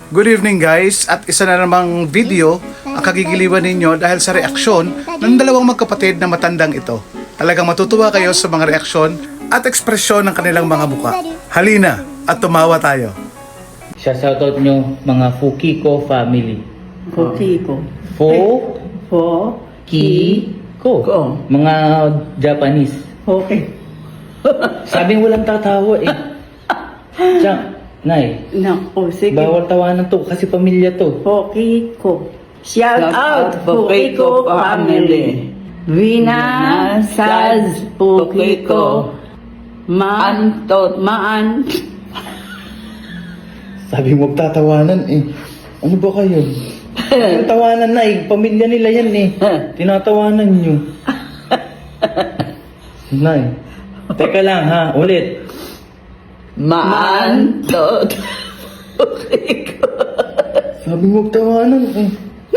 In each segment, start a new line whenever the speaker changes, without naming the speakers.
Good evening guys, at isa na namang video ang kagigiliwan ninyo dahil sa reaksyon ng dalawang magkapatid na matandang ito. Talagang matutuwa kayo sa mga reaksyon at ekspresyon ng kanilang mga muka. Halina at tumawa tayo.
Shoutout nyo mga Fukiko family.
Fukiko.
Fukiko.
Ko.
Mga Japanese.
Okay.
Sabing walang tatawa eh. Tiyan, Nay,
Naku, sige.
bawal tawanan to kasi pamilya to.
Fukiko. Shout out Fukiko family. Vina Saz Fukiko. Maan.
Sabi mo tatawanan eh. Ano ba kayo? Ang tawanan na eh. Pamilya nila yan eh. Tinatawanan nyo. Nay. Teka lang ha. Ulit.
Maantot. Fukiko.
Sabi mo tawanan eh.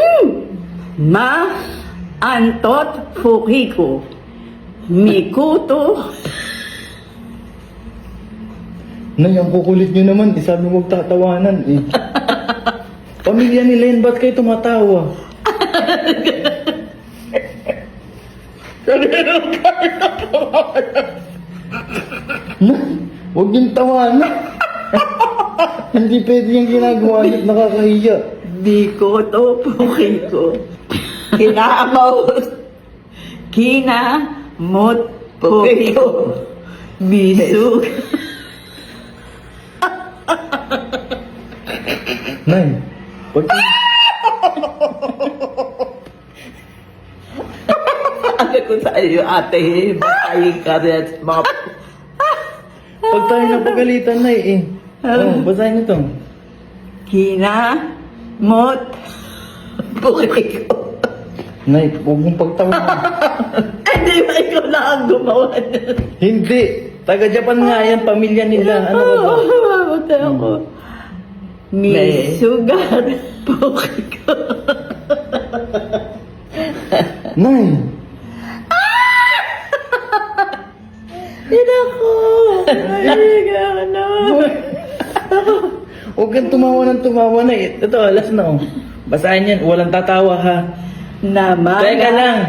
Antot Fukiko. Mikuto.
Nay, ang kukulit nyo naman eh. Sabi mo tatawanan eh. Pamilya nila yan. Ba't kayo tumatawa? Huwag yung tawanan. Hindi pwede yung ginagawa niyo. Nakakahiya.
Mikuto Fukiko. Kinamot Fukiko. Bisug.
Nay, huwag yung...
Ano ko sa iyo, ate? Batayin ka rin at mga...
Pag tayo napagalitan, Nay eh. Oh, basahin ito.
Kinamot Fukiko.
Nay, huwag mong pagtawanan.
Hindi ba ikaw lang ang gumawa niya?
Hindi. Taga-Japan nga yan, pamilya nila. Ano ba ba?
Mata ako. Misugar Fukiko.
Nay!
Hindi ako. Ay, ano?
Huwag kang tumawa ng tumawa na eh. Ito, alas na oh. Basahin yan, walang tatawa ha. Teka lang.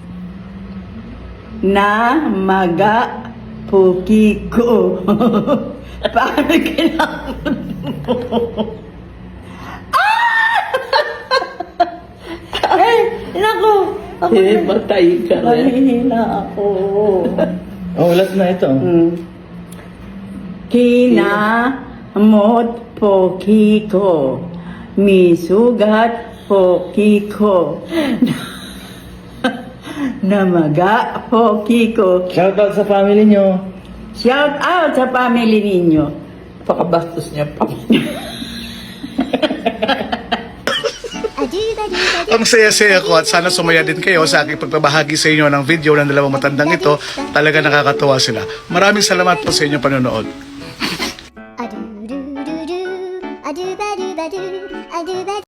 Namaga Fukiko. Paano kinamot mo? Ay, naku. Matay ka rin. Mahihina ako.
Oh, alas na ito.
Kinamot Fukiko. Misugat Fukiko. Namaga Fukiko.
Shoutout sa family nyo.
Shout out sa family ninyo. Pakabastos niya pa.
Ang saya-saya ko at sana sumaya din kayo sa aking pagbabahagi sa inyo ng video ng dalawang matandang ito. Talaga nakakatuwa sila. Maraming salamat po sa inyong panonood.